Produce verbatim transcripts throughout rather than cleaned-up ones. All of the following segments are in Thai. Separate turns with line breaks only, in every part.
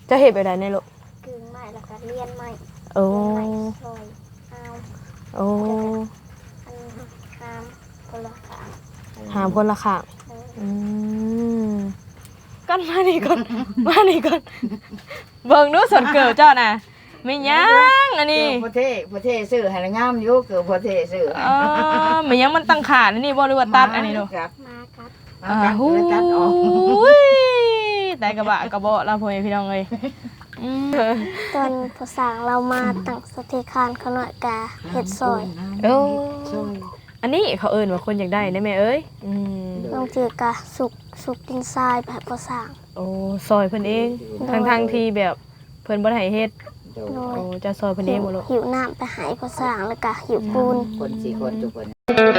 จะเฮ็ดแบบใดในลูก
กึ่งไม้แล้วก็เลียนไม้
โอ้
ไม้ซอยเอา
โอ้
อันหามคนละขา
หามคนละข้างอืมก่อนมานี่ก่อนมานี่ก่อนเบิ่งดูส่วนเกิดเจ้าน่ะไม่ยังอันนี้
เกิดประเทศประเทศซื้อให้งามอยู่เกิดประเทศซื้อ
เออไม่ยังมันตั้งขาอันนี้บ่หรือว่าตัดอันนี้ลูก
ครับ
มาครับ
อ่าหูยแต่กระบะกระเบาะเราพ่อแม่พี่น้องเอ้ย
ตอนภาษาเรามาตั้งสเตคานเขาหน่อยกาเห็ดซอย
โอ้อันนี้เขาเอิ้นว่าคนอยากได้ได้แม่เอ้ยอืม
บางทีกะสุกสุกดินทรายแบบภาษา
โอ้ซอยเพิ่นเองทั้งๆที่แบบเพิ่นบ่ได้ให้เฮ็ดโอ้จะซอยเพิ่นเองบ่ลูก
หิวน้ำไปหายภาษาแล้วกะหิวปูน
คนสี่คนทุกคน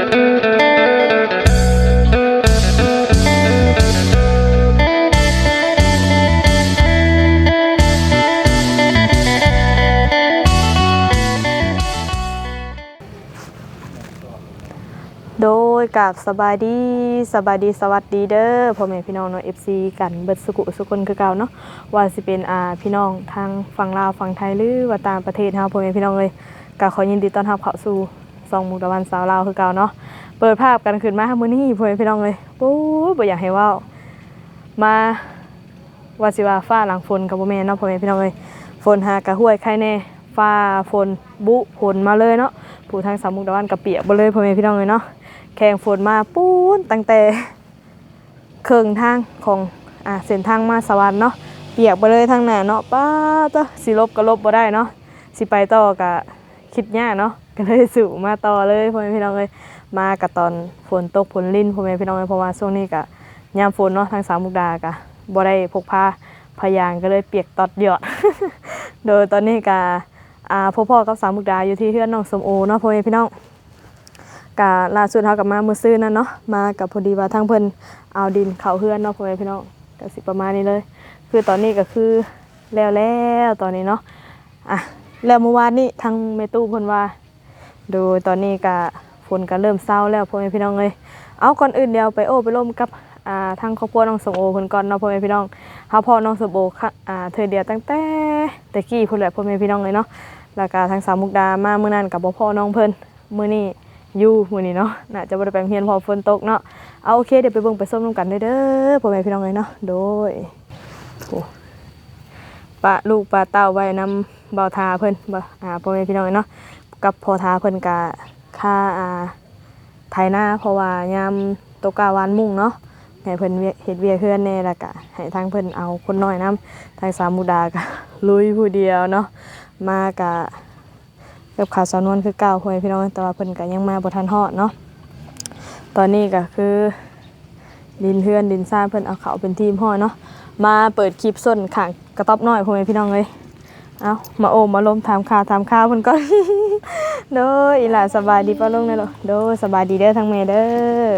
โดยกับสบายดีสบายดีสวัสดีเด้อพ่อแม่พี่น้องเนาะ เอฟ ซี กันเบิดสุขุสุคนคือเก่าเนาะว่าสิเป็นอ่าพี่น้องทางฝั่งลาวฝั่งไทยหรือว่าต่างประเทศเฮาพ่อแม่พี่น้องเอ้ยก็ขอยินดีต้อนรับเข้าสู่ซองมุกตะวันสาวลาวคือเก่าเนาะเปิดภาพกันขึ้นมามื้อนี้พ่อแม่พี่น้องเอ้ยปู๊บ่อยากให้เว้ามาว่าสิว่าฟ้าหลังฝนก็บ่แม่นเนาะพ่อแม่พี่น้องเอ้ยฝนหากะห้วยใครแน่ฟ้าฝนบุฝนมาเลยเนาะผู้ทางสามมุกตะวันก็เปียกบ่เลยพ่อแม่พี่น้องเอ้ยเนาะแข่งฝนมาปูนตั้งแต่เครื่องทางของอ่าเส้นทางมาสวรรค์เนาะเปียกไปเลยทางหน้าเนาะป้าตัวสิลบก็ลบบ่ได้เนาะสิไปต่อก็คิดยากเนาะก็เลยสู่มาต่อเลยพ่อแม่พี่น้องเอ้ยมากับตอนฝนตกฝนลิ่นพ่อแม่พี่น้องเอ้ยเพราะว่าช่วงนี้ก็ยามฝนเนาะทางสามมุกดาก็บ่ได้พกพาพยางก็เลยเปียกตอดหยอด โดยตอนนี้ก็อ่าพ่อๆกับสามมุกดาอยู่ที่เฮือนน้องสมโอเนาะพ่อแม่พี่น้องกะล่าสุดเฮากับมามื้อซื่อนั่นเนาะมากับพอดีว่าทางเพิ่นเอาดินเข้าเฮือนเนาะพ่อแม่พี่น้องก็สิประมาณนี้เลยคือตอนนี้ก็คือแล้วแล้วตอนนี้เนาะอ่ะแล้วเมื่อวานนี้ทางแม่ตู้เพิ่นว่าโดยตอนนี้ก็ฝนก็เริ่มเซาแล้วพ่อแม่พี่น้องเอ้ยเอาก่อนอื่นเดี๋ยวไปโอ้ไปร่วมกับอ่าทางครอบครัวน้องสมโอเพิ่นก่อนเนาะพ่อแม่พี่น้องเฮาพ่อน้องสมโอค่ะอ่าเธอเดียวตั้งแต่ตะกี้พุ่นแหละพ่อแม่พี่น้องเลยเนาะแล้วก็ทางสาวมุกดามามื้อนั้นก็บ่พ่อน้องเพิ่นมื้อนี้อยู่มื้อนี้เนาะน่าจะบ่ได้ไปโรงเรียนเพราะฝนตกเนาะเอาโอเคเดี๋ยวไปเบิ่งไปส้มนำกันเด้อเด้อพ่อแม่พี่น้องเอ้ยเนาะโดยโอ้ปะลูกปะเต้าไว้นำบ่าวทาเพิ่นบ่อ่าพ่อแม่พี่น้องเอ้ยเนาะกับพ่อทาเพิ่นก็ค่าอ่าไถนาเพราะว่ายามตกกะวานมุ่งเนาะให้เพิ่นเฮ็ดเวียกเฮือนแน่แล้วก็ให้ทางเพิ่นเอาคนน้อยนำทางสามมุกดาก็ลุยผู้เดียวเนาะมาก็กับข่าวสาวนวลคือเก่าพ่อแม่พี่น้องแต่ว่าเพิ่นก็ยังมาบ่ทันฮอดเนาะตอนนี้ก็คือดินเฮือนดินซ่านเพิ่นเอาเข้าเป็นทีมฮอดเนาะมาเปิดคลิปส้นข้างกระต๊อบน้อยพ่อแม่พี่น้องเอ้ยเอามาโอมมาลมถามข่าวถามข่าวเพิ่นก่อน โดยอีหล่าสบายดีป่ะลุงเด้อลูกโดยสบายดีเด้อทั้งแม่เด้อ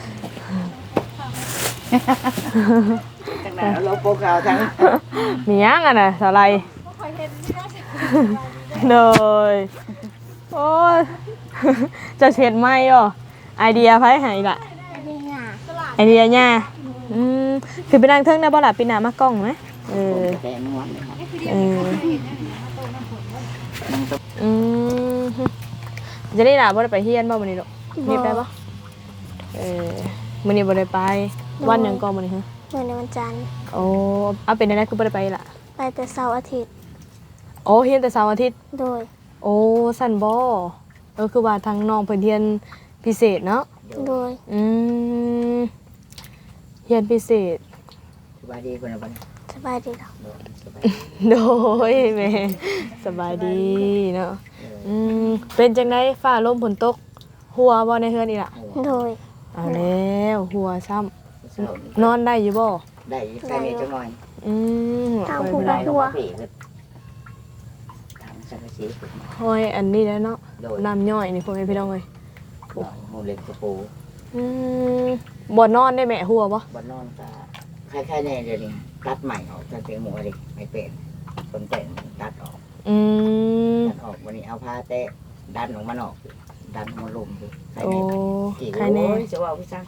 ทั้งนั้นเราโปกเอาทั้ง
มีหยังอ่ะน่ะสาไรโดยโอ้ย จะเช็ดไหมอ่ะไอเดียไผให้ล่ะไอเดียย่าอืมคือไปนั่งเทิงได้บ่ล่ะปีหน้ามากล้องมั้ยเออเอออืมจะได้ล่ะบ่ได้ไปเฮียนบ่มื้อนี้ลูกมีไปบ่เออมื้อนี้บ่ได้ไปวันหยังก่อนมื้อนี้ฮะ
เมื่อในวันจันทร์
โอ้เอาเป็นได้คือบ่ได้ไปล่ะ
ไปแต่เสาร์อาทิตย์
โอ้เฮียนแต่เสาร์อาทิตย์
โดย
โอ้สั่นบ่เออคือว่าทางน้องเพิ่นเรียนพิเศษเนาะ
โดย
อืมเรียนพิเศษ
สบายดีคนละบัด
สบายดีเนาะ
โดยแม่สบายดีเนาะอืมเป็นจังได๋ฟ้าลมฝนตกหัวบ่ในเฮือนอีล่ะ
โดย
เอาแล้วหัวซ้ำนอนได้อยู่บ่
ได้ใครมีจังหน่อย
อืม
ทางผู้บ่หัว
หอยอันนี้แล้วเนาะน้ำย่อยนี่พ่อแม่พี่น้องเอ้ย
หมูเล็กกระปู
อืมบ่นอนได้แม่หัวบ่
บ่นอนก็คล้ายๆแน่เดี๋ยวนี้ตัดใหม่ออกตั้งแต่หมูดิไม่เป็นคนแต่งตัดออก
อืม
ตัดออกวันนี้เอาผ้าเตะดันออกมาออกดันมาลมดู
โอ้
ใครแน่จะว่าพี่ซัง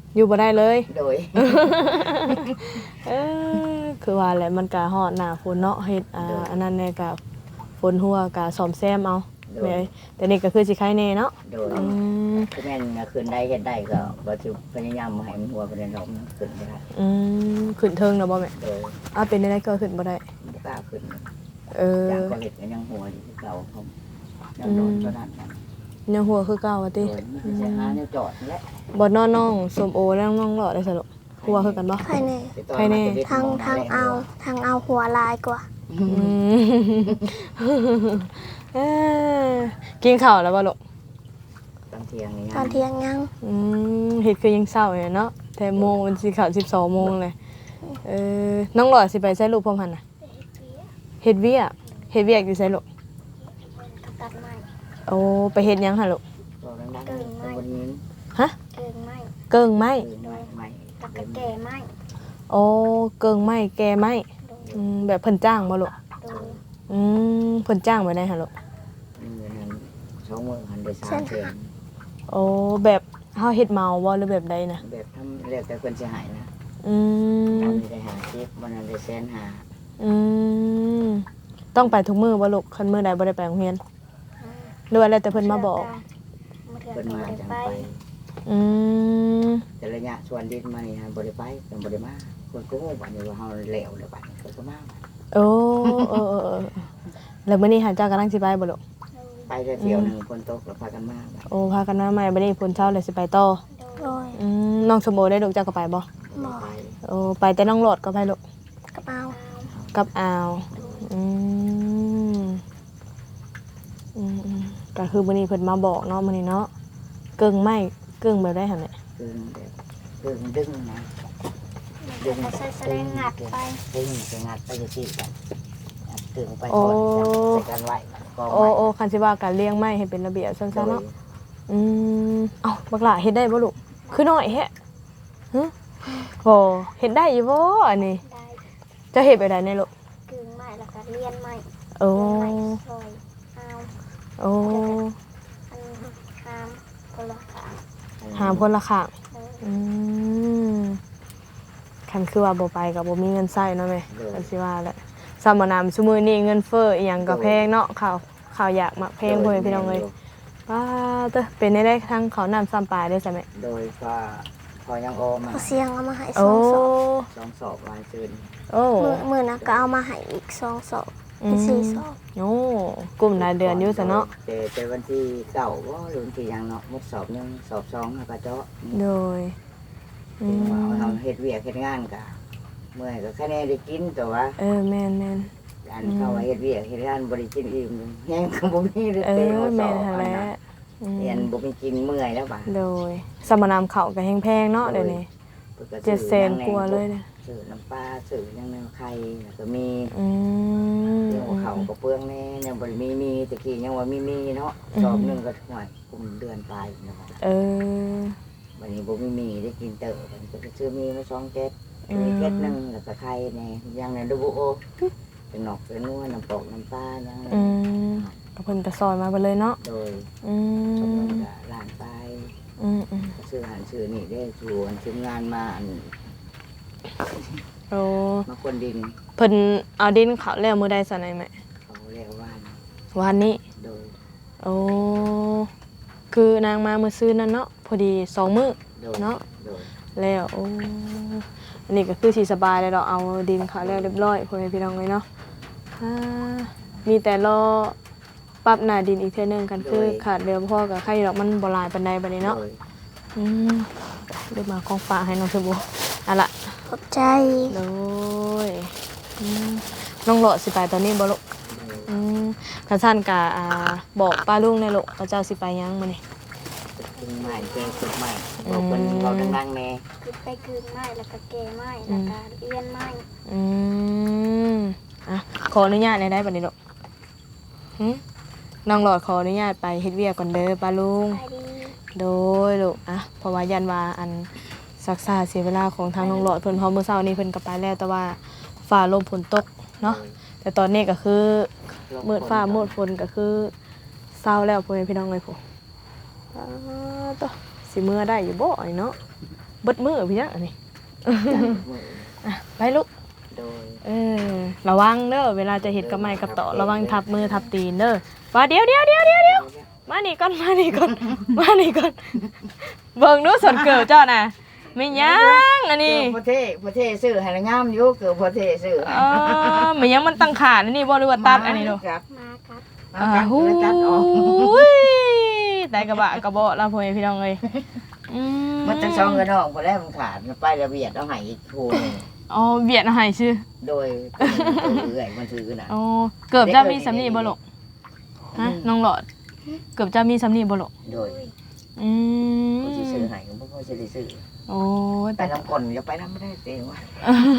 อยู่บ่ได้เลย
โดย
เออคือว่าแหละมันก็ฮอดหน้าฝนเนาะเฮ็ดอ่าอันนั้นแน่ก็ฝนหัวก็ซ่อมแซมเอาแม่เอ้ยแต่นี่ก็คือสิคล้ายแน่เนาะ
โดย
อืม
คือแม่นคืนได้เฮ็ดได้ก็บ่สิพยายามบ่ให้มันหัวประเด็นดอกมันขึ้นบ่ได้
อืมขึ้นเทิงเนาะบ่แม่
โดย
อ้าวเป็นได้ก็ขึ้นบ่ได้
บ่กล้าขึ้น
เออ
อย่างก็เฮ็ดก็ยังหัวอยู่คือเก่าผมยังโดนเท่านั้นนะ
ยังหัวคือเก่าว่า
โด
ติ
ยมีแต่หาแนวจอดนั่นแหละ
บ่นอนน้องส้มโอแล้วน้องหลอดได้สรุปหัวคือกันบ่
ภายใน
ไปต่อ
ใครแน่
มาจะได้
ทาง
มอ
ทาง
หน้
เอาทางเอาหัวลายกว่า
อืมเอ้อกินข้าวแล้วบ่ลูก
ตอนเที่ยงนี่
ตอนเที่ยงยัง
อืมเฮ็ดคือยังเช้าอยู่เนาะแต่โมงมันสิเข้าสิบสองโมงเลยเออน้องหลอดสิไปใช้ลูกพร้อมหั่นน่ะเฮ็ดเวียกเฮ็ดเวียกอยู่ไสลูก
กับตัดไม้
โอ้ไปเฮ็ดหยังหั่นลูก
ตัวดังๆตัวบนนี้
ฮะ
เกิงไม้
เกิงไม้
คือไม้ไม้
กับกระแก่ไม้
โอ้เกิงไม้แกไม้อืมแบบเพิ่นจ้างบ่ลูก
โดย
อืมเพิ่นจ้างไว้ได้หั่นลูก
เงินนั้นสองหมื่นหันไปสามแสน
โอ้แบบเฮาเฮ็ดเมาบ่หรือแบบใดนะ
แบบทำเรียกแต่คนเสียหายนะ
อืม
วันนี้ได้หาคลิปวันนั้นได้แสนหา
อืมต้องไปทุกมื้อบ่ลูกคันมื้อใดบ่ได้ไปโรงเรียนหรือว่าแล้วแต่เพิ่นมาบอก
มาเถื่อน
เพิ่น
ก็
มา
บ่ได้
จัง
ไป
ไป
อืม
แต่ระยะชวนดินมานี่ฮะบ่ได้ไปเป็นบ่ได้มาคนก็ฮู้บัดนี้ว่าเฮาเหลวแล้วบัดนี้เพิ่นก็มา
โอ้เออเออเออแล้วมื้อนี้หาเจ้ากำลังสิไปบ่ลูก
ไปได้เที่ยวหนึงคนตกแล้วพากันมาบัด
โอ้พากันมาใหม่บัดนี้ฝนเช้าเลยสิไปต่อ
โดย
อืมน้องสมโอได้ลูกเจ้าก็ไปบ่
บ่ได้ไป
โอ้ไปแต่น้องโหลดก็ไปลูก
กับเอา
กับอาวอืมอืมอืมก็คือมื้อนี้เพิ่นมาบอกเนาะมื้อนี้เนาะเกิ่งไม้เกิ่งแบบได้หั่นแหละ
คือแบบคือดึงนะดึง
แล้วก็ใส่แสลงงัดไป
ดึงไปงัดไปอยู่ที่กันงัดถึงไปก่อนจับใส่กันไว้ก็
โอ้
ไว้
โอ้คันสิว่าการเลี้ยงไม้ให้เป็นระเบียบซั่นๆเนาะ
โดย
อืมเอ้าบักหล่าเฮ็ดได้บ่ลูกคือน้อยแฮะหึโหเฮ็ดได้อยู่บ่อันนี้
ได้
เจะเฮ็ดไปได้ในลูก
กึ่งไม้แล้วก็เลียนไม้
โอ้
เลียนไม้ซอยเอา
โอ้
อันหามคนละขา
หามคนละข้าง
เออ
อืมคันคือว่าบ่ไปก็บ่มีเงินใช้เนาะแม่
โดย
คันสิว่าแหละสมานามซุมื้อนี้เงินเฟ้ออีหยังก็แพงเนาะข้าวข้าวอยากมักแพงพ่อแม่พี่น้องเอ้ยป้าเด้อเป็นได้ได้ทั้งข้าวน้ำซ้ำปลาได้ใช่ไหม
โดยก็พอยังโอมา
เอาเสียงเอามาให้ส
โอ้
องศอก
สองสอบวายซืน
โอ้
มือมือนะก็เอามาให้อีกสองศอก
อื
เป็น
ม
สี่ศอก
โอ้กลุ่มรายเดือนอยู่ซะเนาะ
แต่แต่วันที่เก้าว่าหรือวันที่ยังเนาะมุกสอบหนึ่งสอบสองแล้วก็เจาะ
โดยอื
ถึง
ม
ว่าเราเฮ็ดเวียกเฮ็ดงานกะเมื่อยก็แค่แน่ได้กินแต่ว่า
เออแม่นแม่น
อันเข้าว่าเฮ็ดเวียกเฮ็ดงานบ่ได้กินอิ่มแห้งก็บ่มีเลย
เอ
เต็ม
อ
หัวส
แม่
อน บ
หั่นแหละอืม
เรียนบ่มีกินเมื่อยแล้วบ่า
โดยสมานามเขาก็แพงๆเนาะเดี๋ยวนี้เจ็ดแสนกว่าเลยเนี่ย
ซื้อน้ำปลาซื้อยังแนวไข่แล้วก็มี
อืม
เรื่องของเขาก็เปลืองแน่ยังบ่ได้มีมีตะกี้ยังว่ามีมีเนาะสอบหนึงก็ห่วยกุมเดือนปลายเนาะ
เออ
วันนี้บ่มีมีได้กินเต๋อมันก็จะซื้อมีมาสองเจ็ด
อืม
มีเจ็ดหนึงแล้วก็ไข่แน่ยังในดูโอเป็นนอกเป็นนัวน้ำปอกน้ำปลายัง
อืมก็เพิ่นก็ซอยมาไปเลยเนาะ
โดย
อื
สม
ม
มติว่าร้านไป
อืมอืม
ซื้ออาหารซื้อนี่ได้ชวนทีมงานมาอัน
โอ้
มาคนดิน
เพิ่นเอาดินเขาแล้วมื้อใดซะไหนแม่
เขาเรียกว่า
วันนี้
โดย
โอ้คือนางมามื้อซื้อนั่นเนาะพอดีสองมื้อ
โดย
เนาะ
โดย
แล้วโอ้อันนี้ก็คือสิสบายเลยเราเอาดินเขาแล้วเรียบร้อยพ่อแม่พี่น้องเลยเนาะอ่ามีแต่รอปรับหน้าดินอีกเทื่อนึงกันคือขาดเรือพ่อกับไข่ดอกมันบ่หลายปานใดบัดนี้เนาะ
โดย
อืมเดี๋ยวมาของฝากให้น้องสบู่อ่ะล่ะ
ขอบใจ
โดยอืมน้องหลอดสิไปตอนนี้บ่ลูก
โดย
อืมคันซั่นก็อ่าบอกป้าลุงแน่ลูกว่าเจ้าสิไปยังมื้อนี้
ตึงใหม่เก่งสุดใหม่บอกคนเราดังๆแน่
คือไปกึ่งไม้แล้วก็แก่ไม้แล้วก็เลียนไม้
อืมอ่ะขออนุญาตได้ได้บัดนี้ลูกหึน้องหลอดขออนุญาตไปเฮ็ดเวียกก่อนเด้อป้าลุง
ไปดี
โดยลูกอ่ะเพราะว่ายันว่าอันศักษาเสียเวลาของทางน้องหลอดเพิ่นเพอมื้อเช้านี้เพิ่นก็ไปแล้วแต่ว่าฟ้าลมฝนตกเนาะแต่ตอนนี้ก็คือมืดฟ้ามืดฝนก็คือเศร้าแล้วพ่อแม่พี่น้องเอ้ยผู้อ่าต่อสิมื้อได้อยู่บ่ไอ้เนาะบิดมือพี่จังอันนี้
มือ
อ่ะไปลูก
โดย
เออระวังเด้อเวลาจะเฮ็ดกับไม้กับต่อระวังทับมือทับตีนเด้อว่าเดี๋ยวเดี๋ยวเดี๋ยวเดี๋ยวเดี๋ยวมานี่ก่อนมานี่ก่อนมานี่ก่อนเบิ่งดูส่วนเกิดเจ้าน่ะไม่ยังอันนี้
เกือบประเทศประเทศซื้อให้งามอยู่เกือบประเทศซื้อ
เออไม่ยังมันตั้งขาดอันนี้บ่หรือว่าตัดอันนี้ดู
ครับ
มาครับ
มาครับ
หู
แล้วตัดออก
ยแต่กระบะกระเบาะเราพ่อแม่พี่น้องเอ้ยอื
มันจะซองกระดองพอแล้วมันขาดมันไประเบียดเอาให้อีกคู่หนึง
อ๋อเบียดให้ชื่อ
โดยตัวเอื่อยมันถือน่ะ
อ๋อเกือบจะมีสำนีบ่ลูกฮะน้องหลอดเกือบจะมีสำนีบ่ลูก
โดย
อืม
ผู้ที่ซื้อให้ก็บ่พอสิได้ซื้อ
โอ้ย
ไป
แต่
น้ำก่นอย่าไปน้ำไม่ได้เต็มว่ะ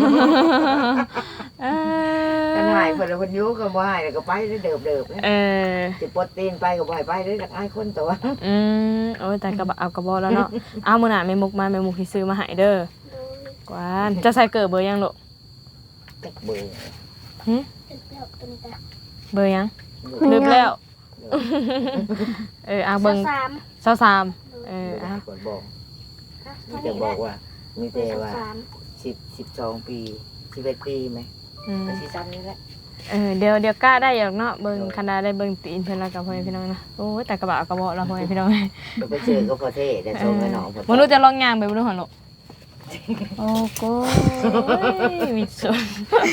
เอ
กัน
อ
หายเพิ่นเอาเพิ่นอยู่ก็บ่ให้แล้วก็ไปเด้อเดิบๆนะ
เออ
สิปลดตีนไปก็บ่ให้ไปเด้อจักอายคนตัว
อืมโอ้ยแต่กระบะเอากระบอกแล้วเนาะเอามื้อหน้าแม่มุกมาแม่มุกสิซื้อมาให้เด้อ
โดย
กวานจะใส่เกิดเบอร์ยังลูก
จักเบื่อ
หึ
เป็นแล้วเป็นแต่
เบอร์ยังลืมแล้ว เออเอาเบิ่ง
สาม
เศร้าสามเอ
เอ
อ
อ
เอา
กดบอก
อ่ะ
มี
เท่า
แต่
นี้
บ
แห
อ
ละ
กว่ามี
เป็
แต่
น
ว่า
สาม
สิบ สิบสองปีสิบเอ็ดปีไหม
อืม
ก็สิซ้ำนี่แหละ
เออเดี๋ยวเดี๋ยวกล้าได้อย่างเนาะเบิ่งคันใดได้เบิ่งตีนเพิ่นแล้วกับพ่อแม่พี่น้องนะโอ้ยแต่กระบะเอากระบอกแล้วพ่อแม่พี่น้อง
ก็ไปเจอก็พอเท่แต่ส่งให้น้อง
มนุษย์จะลองย่างไปบ่รู้หั่นลูกโอ้โกยวิสุด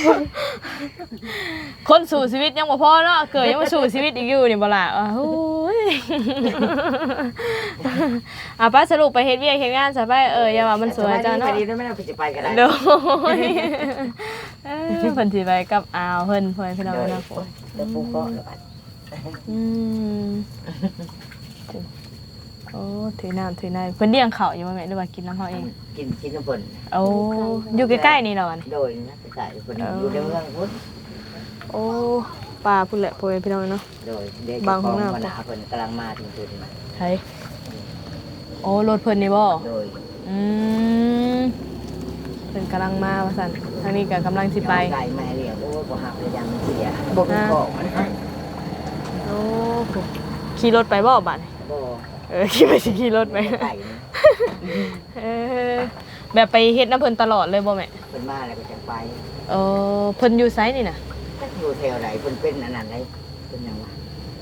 คนสู่ชีวิตยังบ่พอเนาะเกิดยังมาสู่ชีวิตอีกอยู่นี่บ่ล่ะอ้าวโอ้ยอ่ะป้าสรุปไปเฮ็ดเวียกเฮ็ดงานซะไปเอออย่าว่ามันสวยจ้า
ไป
เนาะ
ดีด้วยไม่ต้องไปจะไปก็ได้
โดยเออเพิ่นสิไปกับอาวเพิ่นพ่อแม่พี่น้อง
โดย
เนาะ
เดี๋ยวปูก็แล้วกัน
อืมโอ้ถือน้ำถือในเพิ่นเลี้ยงข้าวอยู่บ่แม่หรือว่ากินน้ำเฮาเอง
กินกินน้ำเพิ่น
โอ้อยู่ใกล้ๆนี่เหรอวะนี่
โดยนะไปใส่เพิ่นอยู่ในเมืองพุทธ
โอ้ปลาพุ่นแหละพ่อแม่พี่น้องเนาะ
โดยเด็ก
บาง
ข
ห้
อ
อง
ง
น้ำ
มนาเพิ่นกำลังมาถึงจุดนี้
ไผโอ้รถเพิ่นนี่บ่
โดย
อืมเพิ่นกำลังมาว่าซั่นทางนี้ก็กำลังสิไป
ไก่แม่เลี้ยงโอ้บ่หักเลยยังเสียบ่มีของมันให้
โอ้โหขี่รถไปบ่บัดนี้
บ่
เออขี่ไปสิขี่รถไป
ไก่นี่
เออแบบไปเฮ็ดน้ำเพิ่นตลอดเลยบ่แม่
เพิ่นมาแล้วก็จะไป
เออเพิ่นอยู่ไสนี่น่ะ
จักอยู่แถวไหนเพิ่นเป็นอันนั้นได้เป็นหยังวะ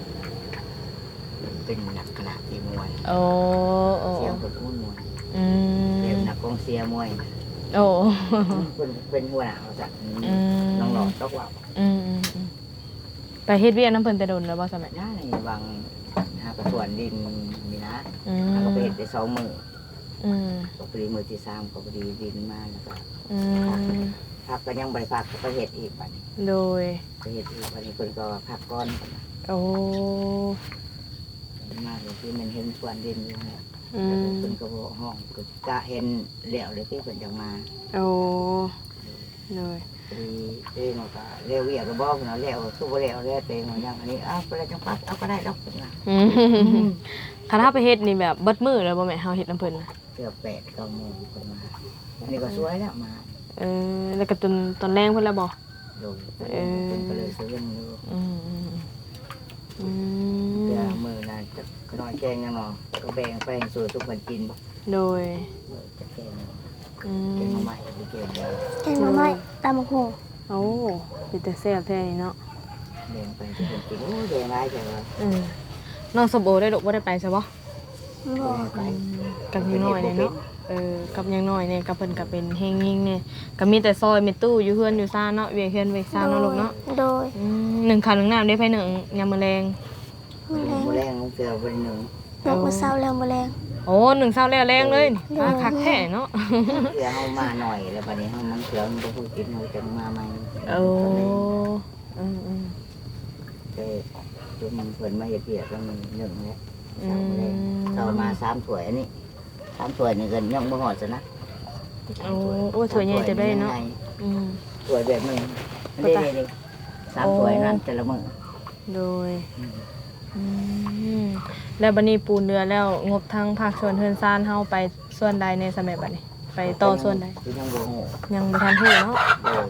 เป็นนักขนาดที่มวย
โอ้โอ้
เสียงเพิ่นพูดมวย
อื
เสียง
ม
นักกองเสียมวย
โอ้
เพิ่นเป็นหัวหน้าว่าซั่น
อืม
น้องหลอกตกว่า
อืมอืมอืมไปเฮ็ดเวียกน้ำเพิ่นแต่โดนแล้วบ่สมัย
น้าในบางหากระสวนดินนี่นะ
อื
แล้วก็ไป
ม
เฮ็ดได้สองมื้อ
อืม
ก็พอดีมื้อที่สามก็พอดีดินมาแล้วก็
อืม
พักก็ยังบ่ได้พักก็ไปเฮ็ดอีกบัดนี้
โดย
ไปเฮ็ดอีกบัดนี้เพิ่นก็พักก่อน
โอ้
มาเลยที่มันเห็นสวนดินอยู่เนี่ย
อื
แล้ว
ม
เพิ่นก็บอกห้องก็กะเห็นแล้วเลยที่เพิ่นจะมา
โอ้โดย
พอดีเองก็เร็วเวียก็บอกเนาะแล้วสู้บ่แล้วแล้วเต็งว่าอย่างอันนี้อ้าวไปแล้วจังปัดเอาก็ได้ดอกเพิ่นว่า
อืมคันถ้าไปเฮ็ดนี่แบบเบิดมื้อเลยบ่แม่เฮาเฮ็ดน้ำเพิ่นน่ะ
เกือบแปดเก้าโมงเพิ่นมาอันนี้ก็สวยแล้วมา
เออแล้วก็จนตอนแรงเพิ่นแล้วบ่
โดย
เออ
เพิ่นก็เลยซื้อเงินอยู่
อืมอืมอื
เดี๋ยว
ม
มื้อนั้นจะน้อยแกงยังเนาะก็แบ่งไปให้สู่ทุกคนกิน
โดย
เออจะแกง
อื
แกง
ม
มาใหม่ไปแกงแล้ว
แกงหน่อไม้ตำบักหุ่ง
โอ้เป็นแต่แซ่บแท้นี่เนาะ
แบ่งไปทุกคนกินโอ้ยแบ่งหลายจังว่า
อืมน้องสมโอได้ดอกบ่ได้ไปซะบ่
บ่
ไป
กับยังน้อยเนี่ยเนาะ เออ กับยังน้อยเนี่ยกับเพิ่นก็เป็นเฮงยิ่งเนี่ยก็มีแต่ซอยเมตู้อยู่เฮือนอยู่ซ่านเนาะเวียงเฮือนเวียงซ่านเนาะลูกเนาะ
โดย
อืมหนึ่งข้าวหนึ่งน้ำได้ไปหนึ่งยามมื้อแลง
มื้อแรง
มื้อแรงของเสือเป็นหนึ่ง
นกมื้อเช้าแล้วมื้อแรง
โอ้หนึ่งเช้าแล้วแรงเลยนี่อ่าคักแท้เนาะ
เสือเฮามาหน่อยแล้วบัดนี้เฮามันเสือมันบ่พูดกินเฮาจังมาใหม่
โอ้อืมอืม
เด้จุ่มเพิ่นมาเฮ็ดเวียกแล้วมันหนึ่งแล้ว
อื
เช้ามาเช้ามาสามถ้วยอันนี้สามถ้วยนี่ก็ยังบ่ฮอดซะนะ
โอ้โอ้ถ้วยใหญ่จะได้เนาะอืม
ถ้วยแบบนึงเด้ๆๆสามถ้วยนั้นแต่ละมื้อ
โดยอืมแล้วบัดนี้ปูนเรือแล้วงบทางภาคส่วนเฮือนซ่านเฮาไปส่วนใดในสมัยบัดนี้ ไปต่อส่วนใด
คือยังบ่ฮู้
ยังบ่ทันฮู้เนาะ
โดย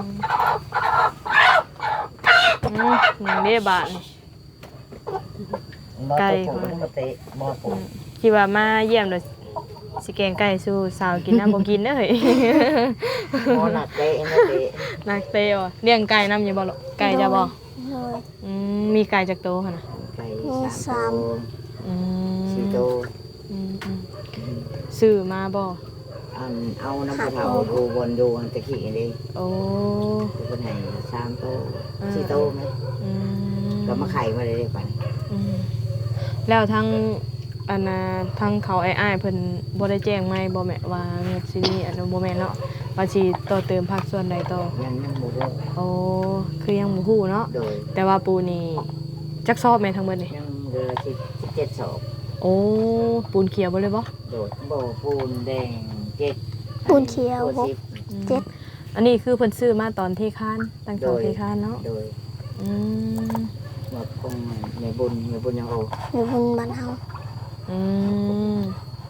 อืมหนึ่งเด้บาทนี่ ไก่
บ่ตกบ่เตะบ่ปลูก
คิดว่ามาเยี่ยมโดยสิแกงไก่สู้สาวกินน้ำบ่กินเด้อเฮ้ย
หมอหนักเตะนะเตะ
นักเตะว่ะเลี้ยงไก่นำอยู่บ่ลูกไก่จะบ่
โดย
อืมมีไก่จักโตวหั่นน่ะ
ไก่
มี
สา
สาม ม
ตัว
อืม
สี่ตัว
อืมอืมซื้อมาบ่
อันเอาน้ำกระเทาดูบนดูอันตะกี้นี่
โอ้
คือคนให้สามตัว
อ่า
สี่ตัวไหม
อืม
ก็มาไข่มาเลยเรียกว่า
อืมแล้วทั้งอันน่ะทั้งเขาไอ้อ้ายเพิ่นบ่ได้แจ้งไหมบ่แม่ว่าเงินสิมีอันนั้นบ่แม่นเนาะว่าสิต่อเติมภาคส่วนใดต่อ
ยังยังโมโห
โอ้คือยังบ่ฮู้เนาะ
โดย
แต่ว่าปูนี่จักสอบแม่นทั้งเบิดนี่
ยังเรือสิบเจ็ดศอก
โอ้ปูนเขียวบ่เลยบ่
โดยโบปูนแดงเจ็ด
ปูนเขียว
ปูน
หก
สิบ
เจ็ด
อันนี้คือเพิ่นซื้อมาตอนที่ค้านตั้งแต่ที่ค้านเนาะ
โดย
อืม
หมดคงในบุญในบุญยังโอ
อยู่บนบ้านเฮา
อืม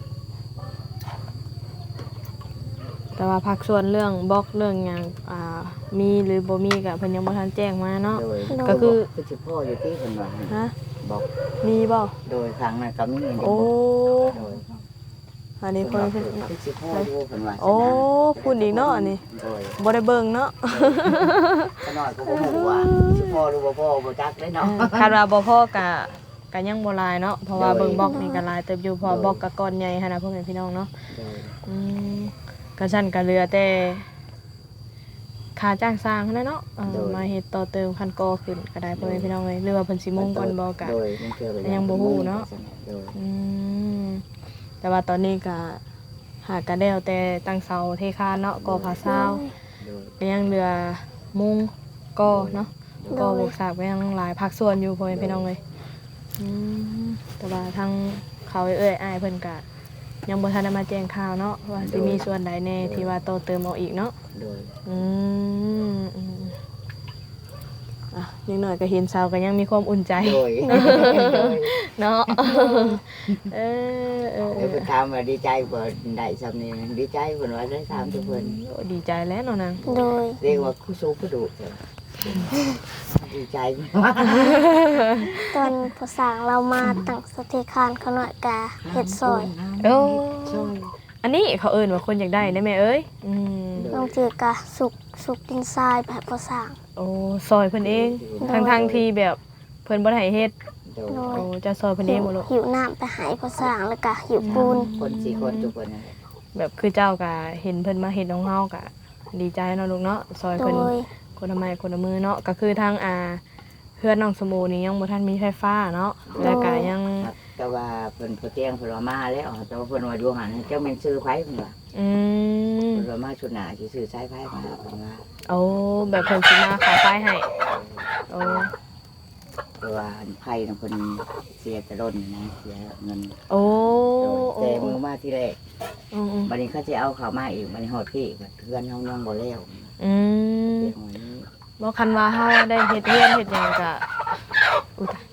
แต่ว่าพักส่วนเรื่องบล็อกเรื่องหยังอ่ามีหรือบ่มีก็เพิ่นยังบ่ทันแจ้งมาเนาะ
โดย
ก็คือ
คือสิพ่ออยู่ที่คนว่า
ฮะ
บอก
มีบ่
โดยครั้งนั้นก็มีเงิน
โอ้
โดย
อันนี้
เพิ่
เพิ่
น
น
ว่า
เพิ่น
คือสิพ่ออยู่คนว่า
โอ้พูดอีกเนาะอันนี้
โดย
บ่ได้เบิ่งเนาะ
ขน้อยก็บ่ฮู้ว่าสิพ่อหรือบ่พ่อบ่จักเลยเนาะ
คาดว่าบ่พอก็ก็ยังบ่หลายเนาะเพราะว่าเบิ่งบล็อกนี่ก็หลายเติบอยู่เพอบล็อกก็ก้อนใหญ่หั่นน่ะพ่อแม่พี่น้องเนาะ
โดย
อืมก็ซั่นก็เหลือแต่ค่าจ้างสร้างนั่นแหละเนาะเออมาเฮ็ดต่อเติมคันกอขึ้นก็ได้พ่อแม่พี่น้องเอ้ยหรือว่าเพิ่นสิมุ่งก่อนบ่ก็
โดยมันเกี่ยวกับ
ยังบ่ฮู้เนาะ
โดย
อืมแต่ว่าตอนนี้ก็หากันแล้วแต่ตั้งเสาเทคานเนาะก่อผาซาว
โดย
ก็ยังเหลือมุงก่อเนาะก่อบวกสากก็ยังหลายภาคส่วนอยู่พ่อแม่พี่น้องเอ้ยอืมแต่ว่าทางเขาเอ้ยอ้ายเพิ่นก็ยังบ่ทันได้มาแจ้งข่าวเนาะว่าสิมีส่วนใดแน่ที่ว่าต่อเติมเอาอีกเนาะ
โดย
อืมอืมอ่ะนิดหน่อยก็เห็นสาวก็ยังมีความอุ่นใจ
โดย
เนาะเออเออเอ
เดี๋ยว
อ
ไปถามว่าดีใจบ่ได้ซำนี้ดีใจเพิ่นว่าได้ถามทุกเพิ่น
โอ้ดีใจแล้วเนาะนาง
โดย
เรียกว่าคู่สู้คู่ดุจ้ะดีใจมาก
ตอนพอสั่งเรามาตั้งสเตคานเขาหน่อยกาเฮ็ดซอย
โอ้
ซอย
อันนี้เขาเอิ้นว่าคนอยากได้ได้แม่เอ้ยอืม
บางทีก็สุกสุกดินทรายแบบพอสั่ง
โอ้ซอยเพิ่นเอง
โดย
ทั้งๆที่แบบเพิ่นบ่ได้ให้เฮ็ด
โดย
โด
โอ้
ย
จะซอยเพิ่นเองบ่ลูก
หิวน้ำไปใหายพอสั่งแล้วก็หิวปูน
คนสี่คนทุกคนนั่นแหละ
แบบคือเจ้าก็เห็นเพิ่นมาเฮ็ดของเฮาก็ดีใจเนาะลูกเนาะซอย
โด
เพิ่น
ย
คนละไม้คนละมือเนาะก็คือทางอ่าเพื่อนน้องสมูนี่ยังบ่ทันมีไฟฟ้าเนาะแล้วก็ยัง
ครับแต่ว่าเพิ่นพอเตียงเพิ่นว่ามาแล้วแต่ว่าเพิ่นว่าดูหันเจ้าแม่นซื้อไผเพิ่นว่า
อืม
เพิ่นว่ามาชุดหน้าสิซื้อสายไผมาเพิ่นว่า
โอ้แบบเพิ่นสิมาขายไฟให้โอ้
เพราะว่าไผน่ะเพิ่นเสียแต่ล้นนะเสียเงิน
โอ้
โดย
โอ้
แต่มือมาที่แรก
อืมอืม
บัดนี้เขาสิเอาเข้ามาอีกบัดนี้ฮอดพี่บัดเพื่อนเฮายังบ่แล้ว
อืม
เตียงวันนี้
บ่คันว่าเฮาได้เฮ็ดเรือนเฮ็ดหยังก็อุยตาย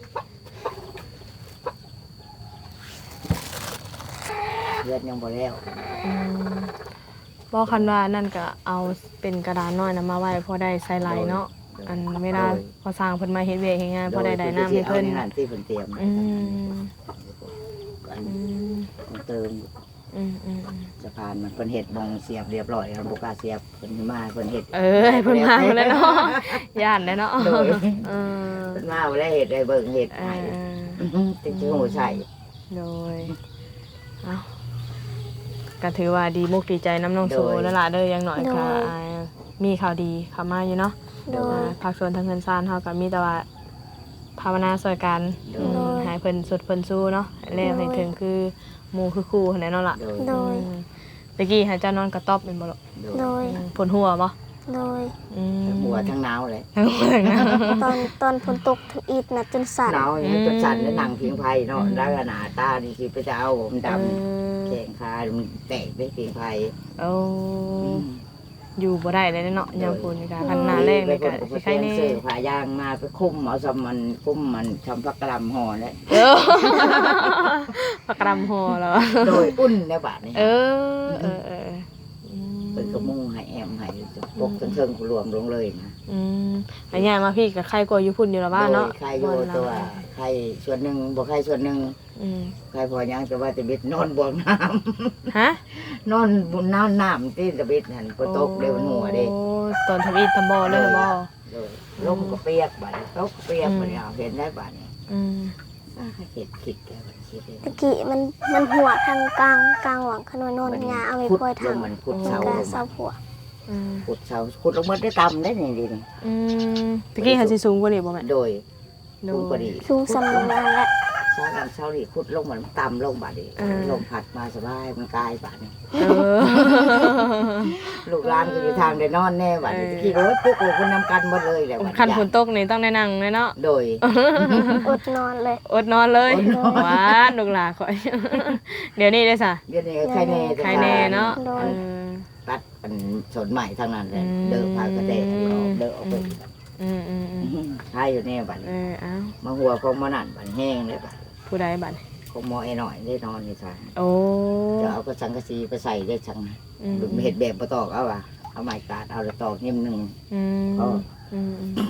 เพื่อนยังบ่แล้ว
อืมบ่คันว่านั่นก็เอาเป็นกระดานน้อยน่ะมาไว้พอได้ใส่ไหลเนาะอันเวลาพอสร้างเพิ่นมาเฮ็ดเวียกเฮ็ดงานพอได้ได้น้ำให้เพิ่น
โดยพิ่สิอาในั่นที่เพิ่นเตรียม
อืม
อัน
อืม
เติม
อืมอืมอืม
สะพานมันเพิ่นเฮ็ดบงเสียบเรียบร้อยแล้วบ่กล้าเสียบเพิ่นมาเพิ่นเฮ็ด
เออให้เพิ่นมาแล้วเนาะย่านแล้วเนาะ
โดย
เออ
เพิ่นมาบ่ได้เฮ็ดได้เบิ่งเฮ็ด
เอ
ให้
อ
ติดหูใส่
โดยเอ้าก็ถือว่าดีมุกดีใจน้ำน้องโซแล้วล่ะเด้ออย่างน้อยก็อ่ามีข่าวดีเข้ามาอยู่เนาะ
โดย
อ่าภาคส่วนทางเงินซานเฮาก็มีแต่ว่าภาวนาช่วยกันอืม
โดย
ให้เพิ่นสุดเพิ่นสู้เนาะให้แล้วให้ถึงคือหมู่คือครูหั่นแหละเนาะล่ะ
โดย
โดย
อืมตะกี้ให้เจ้านอนกระต๊อบเป็นบ่ล่ะ
โดย
อืมปวดหัวบ่
โดย
อืม
ทั้งหัวทั้งหนาวเลย
ทั้งหัวทั้งหน้า
ตอนตอนฝนตกถึงอีดนะจนสั่น
หนาวอย่างนี้จนสั่นแล้วนั่งพิงไผเนาะแล้วก็หน้าตานี่สิไปจะเอาผมดำแข้งขามันแตกไปพิงไผ
เอออยู่บ่ได้เลยเนาะยามฝนนี่ก็คันหน้าแรงนี่ก็สิใครแน่
ซื้อผ้ายางมาไปคุมเอาซำมันคุมมันทำพักกะลำห่อแล้ว
เออปากกรำหัวแล้ว
โดยอุ่นในบาทนี่
เออเออเอออืม
เป็นกระมุงให้แอมให้ปกจนเทิงกูรวมลงเลยนะ
อืมอันนี้มาพี่กับใครกลัวอยู่พุ่นอยู่ละบ้านเนาะ
โดยใครอยู่ตัวใครส่วนหนึ่งบ่ใครส่วนหนึ่ง
อืม
ใครพอยังแต่ว่าตะบิดนอนบ่อน้ำ
ฮะ
นอนบนน้ำน้ำที่ตะบิดหันฝนตกเร็วหัวเด้
โอ้ตอนทำอีทำบอเลยบ่
เลยลมก็เปียกบัดนี้ตกก็เปียกบัดนี้เอาเห็นได้บัดนี้
อืม
อ่าคิดคิดแกบัดคิดเลย
ตะกี้มันมันหัวทางกลางกลางหวังขนวนนนยาเอาไป
ขุด
ปล่อย
ล
ทาง
งมันขุด
มัน
เสา
ก็
ลง
เสาผัว
อืม
ขุดเสาขุดลงมาได้ต่ำได้นี่ดินี่
อืมตะกี้หันสิสูงกว่านี้บ่แม่
โดย
โด
ขุดพอดี
สูงสำนักงานและ
เสาดำเสาดีขุดลงมันต่ำลงบัดนี้
อ่า
ลมพัดมาสบายมันกลายบัดนี้
เออ
ลูกหลานก็อยู่ทางได้นอนแน่บัดนี้
เออ
ขี่รถปุ๊กลูกคนนำกันหมดเลยแหละบัด
คันฝ
นี้
นตกนี่ต้องได้นั่งเลยเนาะ
โดย
อดนอนเลย
อดนอนเลย
อดนอน
หวานลูกหลาข่อย เดี๋ยวนี้ได้ซะ
เดี๋ยวนี้ใครแน่แต่
ใครแน่เนาะ
โดย
เออ
ตัดเป็นสนใหม่ทั้งนั้นเลย
อืม
เดินพากระเดะออกเดินออกไป
อืมอืมอืม
ใช่อยู่แน่บัด
เออเอ้า
มาหัวของมานั่นบัดแห้งเลยบัด
ผู้ใดบัด
ของหมอไอ้หน่อยได้นอนในทาง
โอ้
จะเอากระสังกะสีไปใส่ได้ชัง
อืม
ดูเห็ดแบบประตอกเอาว่ะเอาไม้กาดเอาแล้วตอกนิ่มหนึ่ง
อืม
ก็
อืมอืม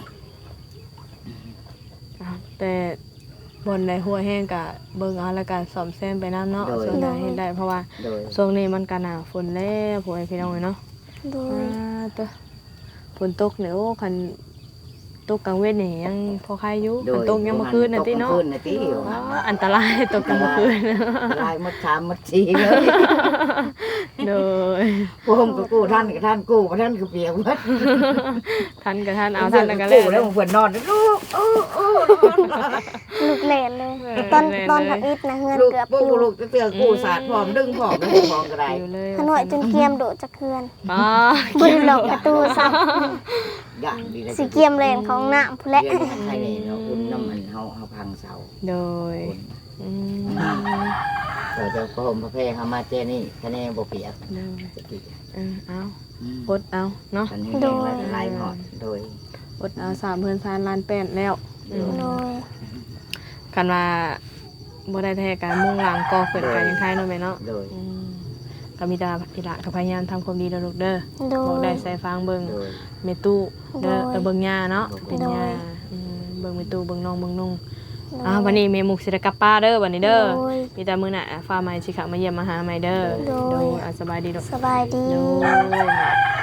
อ้าวแต่บนในหัวแห้งกะเบิ่งเอาแล้วก็ซ่อมแซมไปน้ำเนาะส่วนใดเฮ็ดได้เพราะว่า
โดย
ช่วงนี้มันก็หนาฝนแล้วพวกไอ้พี่น้องเนาะ
โดย
อ่าตัวฝนตกเนี่ยโอ้คันตกกลางเว้นนี่ยังพอคลายอยู่
โด
คัน
ย
ตกยังเมื่อคืนน่ะติเนาะ
ตกกลางคืนน่ะติอยู่
ว้าวอันตรายตกกลางคืน
ลายมดชามมดชีเลย
โดย
พวกผมก็กู้ท่านกับท่านกู้มาท่านก็เปียกหมด
ท่านกับท่านเอาท่านแล้วก็
กู้
แล้
แล้ว
ว
ผมเพื่อนนอนลูกโอ้โอ้
ลูกเล่นเลย
เออ
ตอน
เล่น
ตอน
เลย
ทำอิฐนะเฮือน
ลูก
เกือบ
ปุ๊
ปิ
ก
ว
ลูกจะเตือกู้สาดพร้อมดึงพร้อมดึงพร้อมก็ได้
อยู่เลย
ขนวยจนเกียมโดดจากเฮือน
อ๋อ
บุญหลอกประตูซับ
อย่างดีเลย
สีเกียมเลนของน้ำผู้และ
เรียนใครนี่เนาะอุ่นน้ำมันเฮาเฮาพังเสา
โดยอืม
เราจะพรมพระเพงเฮามาเจนี่คะแนนบ่เปียก
โดย
จะกี่
เออเอา
อืม
อดเอาเนาะ
อันนี้แห้งแล้วลายหอดโดย
อดเอาสามเพื่อนซานลานแป้นแล้วอืม
โดย
กันว่าบ่ได้แท้การมุ่งหลังก่อเกิดการยังไงเนาะแม่เนาะ
โดย
อืมก็มีแตาอีหละก็พยายามทำความดีเด้อลูกเด้อ
โด
บอกได้
ย
ใส่ฟังเบิ่ง
โดย
เมตู้เด้อ
โดย
เออเบิ่งย่าเนาะ
โดย
เป็นย่าอืมเบิ่งเมตู้เบิ่งน้องเบิ่งนุ่ง
โดย
อ้าววันนี้แม่มุกสิได้กลับป้าเด้อวันนี้เด้อ
โดย
มีแต่มื้อหน้าฟ้าใหม่สิเข้ามาเยี่ยมมาหาใหม่เด้อ
โดย
โดยอ่ะสบายดีลูก
สบายดี
โดย